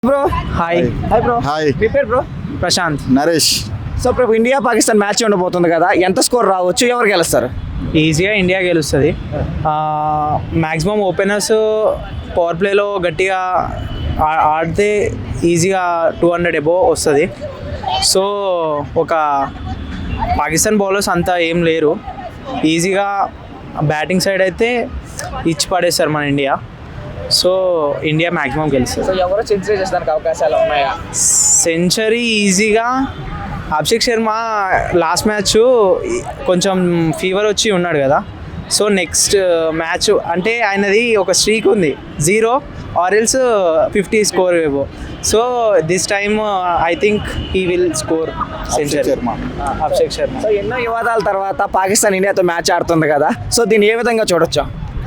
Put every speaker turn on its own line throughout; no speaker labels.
Bro hi bro
hi
మీ పేరు bro? Prashant.
Naresh.
So ఇప్పుడు ఇండియా పాకిస్తాన్ మ్యాచ్ ఉండబోతుంది కదా, ఎంత స్కోర్ రావచ్చు, ఎవరు గెలుస్తారు?
ఈజీగా ఇండియా గెలుస్తుంది. మ్యాక్సిమం ఓపెనర్స్ పవర్ ప్లేలో గట్టిగా ఆడితే ఈజీగా 200 అబోవ్ వస్తుంది. సో ఒక పాకిస్తాన్ బౌలర్స్ అంతా ఏం లేరు, ఈజీగా బ్యాటింగ్ సైడ్ అయితే ఇచ్చి పడేస్తారు మన ఇండియా. సో ఇండియా మ్యాక్సిమం గెలుస్తుంది.
సో ఎవరు సెంచరీ చేసడానికి అవకాశాలు ఉన్నాయా?
సెంచరీ ఈజీగా అభిషేక్ శర్మ లాస్ట్ మ్యాచ్ కొంచెం ఫీవర్ వచ్చి ఉన్నాడు కదా, సో నెక్స్ట్ మ్యాచ్ అంటే ఆయనది ఒక స్ట్రీక్ ఉంది 0 ఆర్ ఎల్స్ 50 స్కోర్ ఏవో. So this time I think he will score century. Abhishek Sharma.
So ఎన్నో వివాదాల తర్వాత పాకిస్తాన్ ఇండియాతో మ్యాచ్ ఆడుతుంది కదా, సో దీన్ని ఏ విధంగా చూడొచ్చు?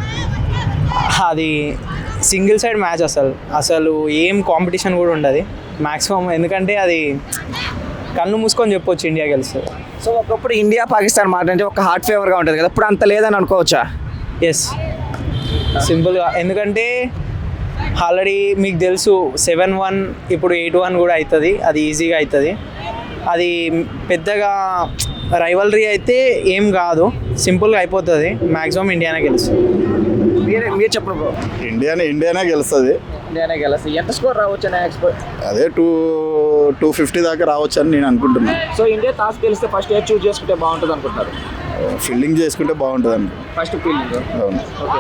అది సింగిల్ సైడ్ మ్యాచ్, అసలు ఏం కాంపిటీషన్ కూడా ఉండదు మ్యాక్సిమం, ఎందుకంటే అది కళ్ళు మూసుకొని చెప్పొచ్చు ఇండియా గెలుస్తుంది.
సో ఒకప్పుడు ఇండియా పాకిస్తాన్ మాట అంటే ఒక హార్ట్ ఫేవర్గా ఉంటుంది కదా, ఇప్పుడు అంత లేదని అనుకోవచ్చా?
ఎస్, సింపుల్గా, ఎందుకంటే ఆల్రెడీ మీకు తెలుసు 7-1 ఇప్పుడు 8-1 కూడా అవుతుంది, అది ఈజీగా అవుతుంది. అది పెద్దగా రైవలరీ అయితే ఏం కాదు, సింపుల్గా అయిపోతుంది. మ్యాక్సిమం ఇండియానే గెలుస్తుంది.
మీరు చెప్పండి బ్రో.
ఇండియానే గెలుస్తుంది.
ఇండియానే గెలుస్తుంది. ఎంత స్కోర్ రావచ్చు అని ఎక్స్పెక్ట్?
అదే 250 దాకా రావచ్చు అని నేను అనుకుంటున్నాను.
సో ఇండియా టాస్ గెలిస్తే ఫస్ట్ ఏది చూస్ చేసుకుంటే బాగుంటుంది అనుకుంటున్నారు?
ఫీల్డింగ్ చేసుకుంటే బాగుంటుంది అనుకో.
First fielding.
అవును.
ఓకే.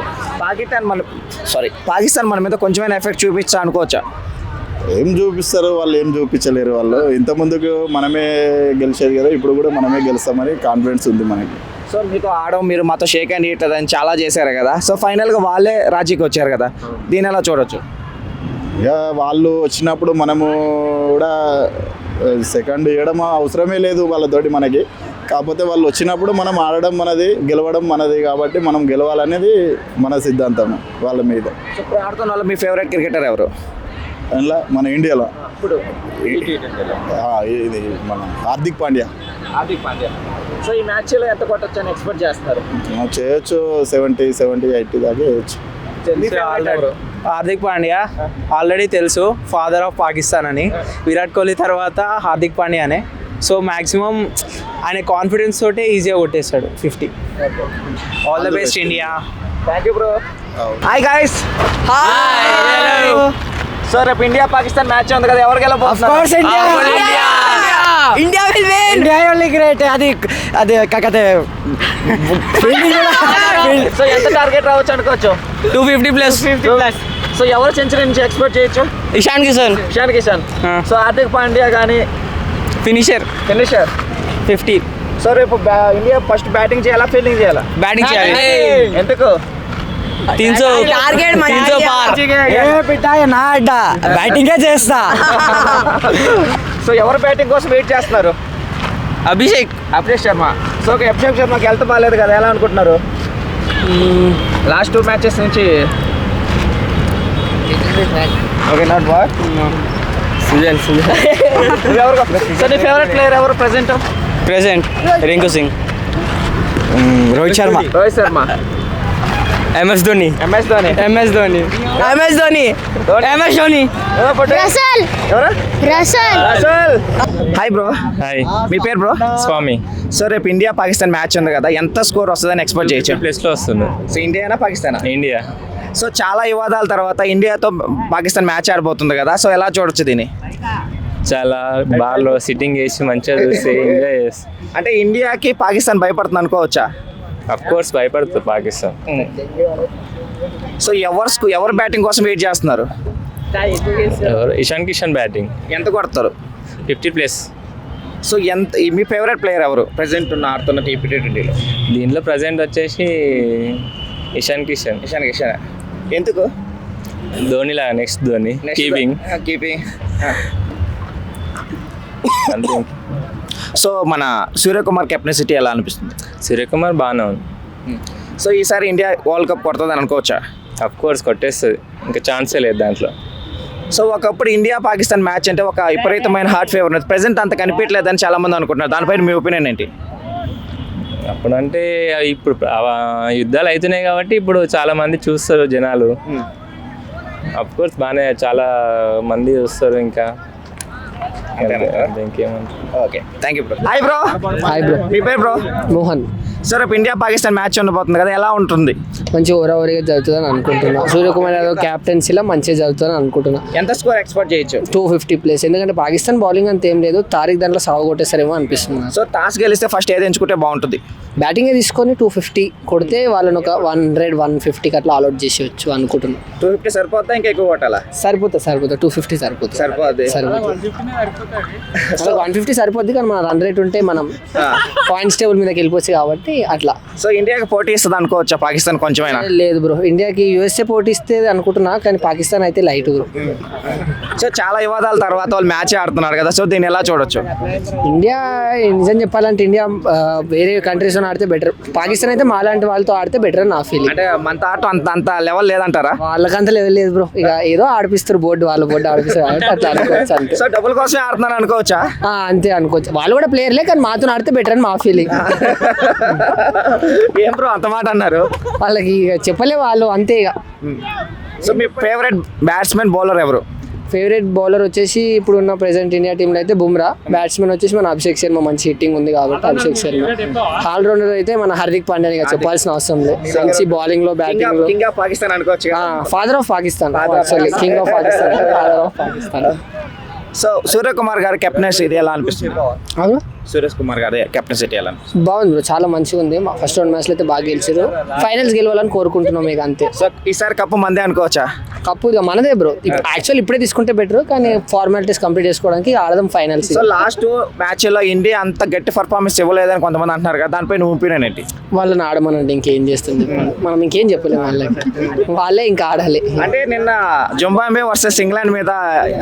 పాకిస్తాన్ మన మీద కొంచెమైనా ఎఫెక్ట్ చూపించా అనుకోవచ్చా?
ఏం చూపిస్తారు వాళ్ళు, ఏం చూపించలేరు వాళ్ళు. ఇంత ముందుకు మనమే గెలిచేది కదా, ఇప్పుడు కూడా మనమే గెలుస్తామని కాన్ఫిడెన్స్ ఉంది మనకి.
సో మీతో మీరు మాతో షేక్ హ్యాండ్ ఇట్లా అని చాలా చేశారు కదా, సో ఫైనల్గా వాళ్ళే రాజీకి వచ్చారు కదా, దీని ఎలా చూడొచ్చు?
ఇక వాళ్ళు వచ్చినప్పుడు మనము కూడా సెకండ్ ఇవ్వడం అవసరమే లేదు వాళ్ళతోటి మనకి. కాకపోతే వాళ్ళు వచ్చినప్పుడు మనం ఆడడం మనది, గెలవడం మనది, కాబట్టి మనం గెలవాలనేది మన సిద్ధాంతం వాళ్ళ మీద.
సో ఇప్పుడు ఆడుతున్న వాళ్ళు మీ ఫేవరెట్ క్రికెటర్ ఎవరు
అందులో మన ఇండియాలో?
ఇప్పుడు
ఇది మన హార్దిక్ పాండ్యా.
సో ఈ మ్యాచ్లో ఎంత కొట్టచ్చు అని ఎక్స్పెక్ట్ చేస్తున్నారు?
చేయొచ్చు 70, 80 దాకా చేయొచ్చు.
హార్దిక్ పాండ్యా ఆల్రెడీ తెలుసు, ఫాదర్ ఆఫ్ పాకిస్తాన్ అని. విరాట్ కోహ్లీ తర్వాత హార్దిక్ పాండ్యానే. సో మ్యాక్సిమం ఆయన కాన్ఫిడెన్స్ తోటే ఈజీగా కొట్టేస్తాడు 50. All the best India.
Thank you bro. Hi guys. So రేపు ఇండియా పాకిస్తాన్ మ్యాచ్ ఉంది కదా, ఎవరు గెలవబోతున్నారు?
India will win. India only great. అది కాకతే
సో ఎంత టార్గెట్ రావచ్చు అనుకోవచ్చు?
250+.
సో ఎవరు సెంచరీ నుంచి ఎక్స్పెక్ట్ చేయొచ్చు?
ఇషాన్ కిషన్.
సో హార్దిక్ పాండ్యా కానీ
ఫినిషర్ 50.
సో రేపు ఇండియా ఫస్ట్ బ్యాటింగ్ చేయాలా, ఫీల్డింగ్ చేయాలా?
బ్యాటింగ్ చేయాలి.
ఎందుకు?
300 టార్గెట్ 300 పార్. నా అడ్డా బ్యాటింగే చేస్తా.
సో ఎవరు బ్యాటింగ్ కోసం వెయిట్ చేస్తున్నారు?
అభిషేక్
శర్మ. సో అభిషేక్ శర్మకి హెల్త్ బాగాలేదు కదా, ఎలా అనుకుంటున్నారు? లాస్ట్ 2 మ్యాచెస్ నుంచి okay, not boy.
Sujan.
So నీ ఫేవరెట్ ప్లేయర్ ఎవరు present?
Rinku Singh. Rohit Sharma. MS Dhoni.
Hi bro.
Hi.
మీ పేరు బ్రో?
స్వామి.
సో రేపు ఇండియా పాకిస్తాన్ మ్యాచ్ ఉంది కదా, ఎంత స్కోర్ వస్తుందని ఎక్స్పెక్ట్ చేయొచ్చు?
ప్లేస్లో వస్తుంది
సో ఇండియానా పాకిస్తానా?
ఇండియా.
సో చాలా వివాదాల తర్వాత ఇండియాతో పాకిస్తాన్ మ్యాచ్ ఆడబోతుంది కదా, సో ఎలా చూడొచ్చు దీన్ని?
చాలా బాగా సిట్టింగ్ చేసి మంచిగా చూసి ఎంజాయ్ చేసి.
అంటే ఇండియాకి పాకిస్తాన్ భయపడుతుంది అనుకోవచ్చా?
అఫ్ కోర్స్ భయపడుతుంది పాకిస్తాన్.
సో ఎవరు బ్యాటింగ్ కోసం వెయిట్ చేస్తున్నారు?
ఇషాన్ కిషన్ బ్యాటింగ్.
ఎంత కొడతారు?
50+.
సో మీ ఫేవరెట్ ప్లేయర్ ఎవరు ప్రెసెంట్ ఆడుతున్న T20లో?
దీంట్లో ప్రజెంట్ వచ్చేసి ఇషాన్ కిషన్.
ఎందుకు?
ధోని లాగా, నెక్స్ట్ ధోని. కీపింగ్. అంతే.
సో మన సూర్యకుమార్ కెప్టెన్సీ ఎలా అనిపిస్తుంది?
సూర్యకుమార్ బాగానే ఉంది.
సో ఈసారి ఇండియా వరల్డ్ కప్ కొడుతుందని అనుకోవచ్చా?
అఫ్ కోర్స్ కొట్టేస్తుంది, ఇంకా ఛాన్సే లేదు దాంట్లో.
సో ఒకప్పుడు ఇండియా పాకిస్తాన్ మ్యాచ్ అంటే ఒక విపరీతమైన హార్ట్ ఫేవర్ ఉన్నది, ప్రెసెంట్ అంత కనిపించలేదని చాలా మంది అనుకుంటున్నారు. దానిపైన మీ ఒపీనియన్ ఏంటి?
అప్పుడంటే ఇప్పుడు యుద్ధాలు అవుతున్నాయి కాబట్టి ఇప్పుడు చాలా మంది చూస్తారు జనాలు.
అఫ్ కోర్స్ బాగానే చాలా మంది వస్తారు ఇంకా ఇంకేమంటారు.
Okay thank you bro. Hi bro.
Hi bro.
మీ పేరు బ్రో?
మోహన్.
సార్ రేపు ఇండియా పాకిస్తాన్ మ్యాచ్ ఉండబోతుంది కదా, ఎలా ఉంటుంది?
మంచి ఓవరావరిగా జరుగుతుందని అనుకుంటున్నా. సూర్యకుమార్ యాదవ్ క్యాప్టెన్సీలో మంచిగా జరుగుతుందని అనుకుంటున్నా.
ఎంత స్కోర్ ఎక్స్పెక్ట్ చేయొచ్చు?
250 ప్లేస్. ఎందుకంటే పాకిస్తాన్ బౌలింగ్ అంత ఏం లేదు, తారిక్ దాంట్లో సాగు కొట్టేస్తారేమో అనిపిస్తుంది.
సో టాస్ గెలిస్తే ఫస్ట్ ఏది ఎంచుకుంటే బాగుంటుంది?
బ్యాటింగే తీసుకొని 250 కొడితే వాళ్ళని ఒక 100-150కి అట్లా ఆల్అౌట్ చేసేయచ్చు అనుకుంటున్నా.
250 సరిపోతా ఇంకా ఎక్కువ కొట్టాలా?
సరిపోతుంది 250 సరిపోతుంది.
సరిపోద్ది.
150 సరిపోద్ది, కానీ మన రన్ రేట్ ఉంటే మనం పాయింట్స్ టేబుల్ మీదకి వెళ్ళిపోవచ్చు కాబట్టి అట్లా.
సో ఇండియాకి పోటీ ఇస్తుంది అనుకోవచ్చా పాకిస్తాన్ కొంచెమైనా?
లేదు బ్రో, ఇండియాకి యూఎస్ఏ పోటీ ఇస్తే అనుకుంటున్నా, కానీ పాకిస్తాన్ అయితే లైట్ బ్రో.
సో చాలా వివాదాల తర్వాత వాళ్ళు మ్యాచ్ ఆడుతున్నారు కదా, సో దీన్ని ఎలా చూడొచ్చు?
ఇండియా నిజం చెప్పాలంటే ఇండియా వేరే కంట్రీస్తో ఆడితే బెటర్. పాకిస్తాన్ అయితే మాలాంటి వాళ్ళతో ఆడితే బెటర్ అని నా ఫీలింగ్.
అంటే మన ఆట అంత లెవెల్ లేదంటారా?
వాళ్ళకంత లెవెల్ లేదు బ్రో. ఇక ఏదో ఆడిపిస్తారు, వాళ్ళ బోర్డు ఆడిపిస్తారు కాబట్టి అట్లా అనుకోవచ్చు అంతే.
సో డబ్బుల కోసమే ఆడుతున్నారు అనుకోవచ్చా?
అంతే అనుకోవచ్చు. వాళ్ళు కూడా ప్లేయర్లే, కానీ మాతో ఆడితే బెటర్ అని మా ఫీలింగ్.
ఏం బ్రో అంత మాట అన్నారు?
వాళ్ళకి ఇక చెప్పలే వాళ్ళు, అంతే ఇక.
సో మీ ఫేవరెట్ బ్యాట్స్మెన్ బౌలర్ ఎవరు?
ఫేవరెట్ బౌలర్ వచ్చేసి ఇప్పుడున్న ప్రెసెంట్ ఇండియా టీంలో అయితే బుమ్రా. బ్యాట్స్మెన్ వచ్చేసి మన అభిషేక్ శర్మ, మంచి హిట్టింగ్ ఉంది కాబట్టి అభిషేక్ శర్మ. ఆల్రౌండర్ అయితే మన హార్దిక్ పాండ్యా, ఇక చెప్పాల్సిన అవసరం లేదు. మంచి బౌలింగ్ లో, బ్యాటింగ్ లో
కింగ్ ఆఫ్ పాకిస్తాన్ అనుకోవచ్చు.
Father of Pakistan, king of Pakistan, father of Pakistan.
So Suryakumar గారి కెప్టెన్సీ ఇది ఎలా అనిపిస్తుంది?
అవును,
సురేష్ కుమార్ గారి కెప్టెన్సీ ఎలా అనిపిస్తుంది?
బాగుంది బ్రో, చాలా మంచిగా ఉంది. ఫస్ట్ 2 మ్యాచ్లు అయితే బాగా గెలిచారు. ఫైనల్స్ గెలవాలని కోరుకుంటున్నాం ఇక అంతే.
సో ఈసారి కప్పు మందే అనుకోవచ్చా?
కప్పు ఇక మనదే బ్రో. యాక్చువల్ ఇప్పుడే తీసుకుంటే బెటర్, కానీ ఫార్మాలిటీస్ కంప్లీట్ చేసుకోవడానికి ఆడదాం ఫైనల్స్.
సో లాస్ట్ మ్యాచ్ లో ఇండియా అంత గట్టి పర్ఫార్మెన్స్ ఇవ్వలేదని కొంతమంది అంటున్నారు కదా, దానిపై నువ్వు ఒపీనియన్ ఏంటి?
వాళ్ళని ఆడమనంటే ఇంకేం చేస్తుంది, మనం ఇంకేం చెప్పలేము వాళ్ళకి. వాళ్ళే ఇంకా ఆడాలి.
అంటే నిన్న జింబాబ్వే వర్సెస్ ఇంగ్లాండ్ మీద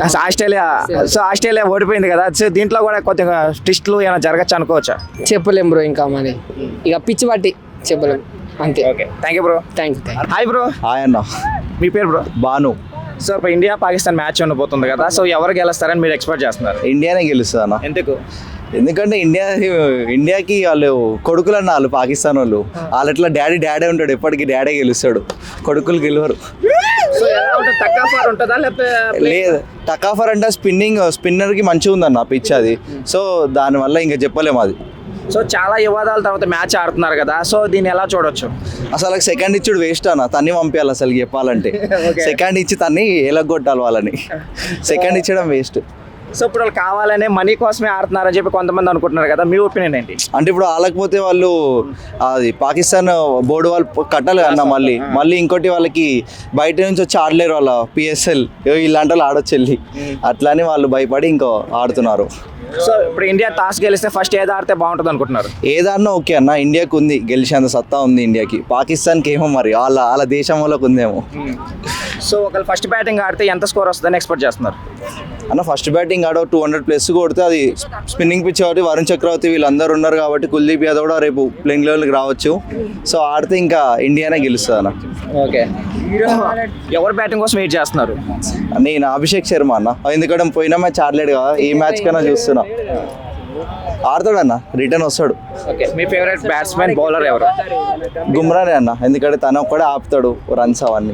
ఆస్ట్రేలియా ఓడిపోయింది కదా, సో దీంట్లో కూడా కొద్దిగా ట్విస్ట్లు ఏమైనా జరగచ్చు అనుకోవచ్చా?
చెప్పలేం బ్రో, ఇంకా మరి ఇక పిచ్చి పట్టి చెప్పలేం అంతే.
Okay thank you bro.
Thank you.
Hi bro.
Hi అన్న.
మీ పేరు బ్రో?
బాను.
సో ఇప్పుడు ఇండియా పాకిస్తాన్ మ్యాచ్ ఉండబోతుంది కదా, సో ఎవరు గెలుస్తారని మీరు ఎక్స్పెక్ట్ చేస్తున్నారు?
ఇండియానే గెలుస్తుంది అన్న.
ఎందుకు?
ఎందుకంటే ఇండియాకి వాళ్ళు కొడుకులు అన్న, వాళ్ళు పాకిస్తాన్ వాళ్ళు ఎట్లా డాడీ ఉంటాడు, ఎప్పటికీ డాడీ గెలుస్తాడు, కొడుకులు గెలవరు.
సో ఎలా ఉంటుంది? టక్కాఫర్ ఉంటుందా లేకపోతే?
లేదు, టకాఫర్ అంటే స్పిన్నర్కి మంచిగా ఉందన్న పిచ్ అది. సో దానివల్ల ఇంకా చెప్పలేము అది.
సో చాలా వివాదాల తర్వాత మ్యాచ్ ఆడుతున్నారు కదా, సో దీన్ని ఎలా చూడొచ్చు?
అసలు సెకండ్ ఇచ్చుడు వేస్ట్ అన్న, తన్ని పంపించాలి అసలు చెప్పాలంటే. సెకండ్ ఇచ్చి తన్ని ఎలగొట్టాలి వాళ్ళని. Second ఇచ్చడం waste.
సో ఇప్పుడు వాళ్ళు కావాలనే మనీ కోసమే ఆడుతున్నారని చెప్పి కొంతమంది అనుకుంటున్నారు కదా, మీ ఒపీనియన్ ఏంటి?
అంటే ఇప్పుడు ఆలకపోతే వాళ్ళు అది పాకిస్తాన్ బోర్డు వాళ్ళు కట్టాలి అన్న, మళ్ళీ ఇంకోటి వాళ్ళకి బయట నుంచి వచ్చి ఆడలేరు, వాళ్ళ పిఎస్ఎల్ ఇలాంటి వాళ్ళు ఆడొచ్చు వెళ్ళి, అట్లానే వాళ్ళు భయపడి ఇంకో ఆడుతున్నారు.
సో ఇప్పుడు ఇండియా టాస్ గెలిస్తే ఫస్ట్ ఏది ఆడితే బాగుంటుంది అనుకుంటున్నారు?
ఏదన్నా ఓకే అన్న, ఇండియాకి ఉంది గెలిచేంత సత్తా ఉంది ఇండియాకి. పాకిస్తాన్కి ఏమో మరి వాళ్ళ దేశం వాళ్ళకి ఉందేమో.
సో ఒకళ్ళు ఫస్ట్ బ్యాటింగ్ ఆడితే ఎంత స్కోర్ వస్తుందని ఎక్స్పెక్ట్ చేస్తున్నారు
అన్న? ఫస్ట్ బ్యాటింగ్ ఆడ 200+ కొడితే, అది స్పిన్నింగ్ పిచ్ కాబట్టి వరుణ్ చక్రవర్తి వీళ్ళందరూ ఉన్నారు కాబట్టి కుల్దీప్ యాదవ్ కూడా రేపు ప్లేయింగ్ లెవెల్కి రావచ్చు. సో ఆడితే ఇంకా ఇండియానే గెలుస్తుంది అన్న.
ఓకే, ఎవరు బ్యాటింగ్ కోసం వెయిట్ చేస్తున్నారు?
నేను అభిషేక్ శర్మ అన్న, ఎందుకంటే పోయిన మ్యాచ్ ఆడలేడు కదా, ఈ మ్యాచ్ కన్నా చూస్తున్నా ఆడతాడన్న, రిటర్న్ వస్తాడు.
ఓకే, మీ ఫేవరెట్ బ్యాట్స్మెన్ బౌలర్ ఎవరు?
గుమ్రానే అన్న, ఎందుకంటే తను ఒక్కడే ఆపుతాడు రన్స్ అవన్నీ.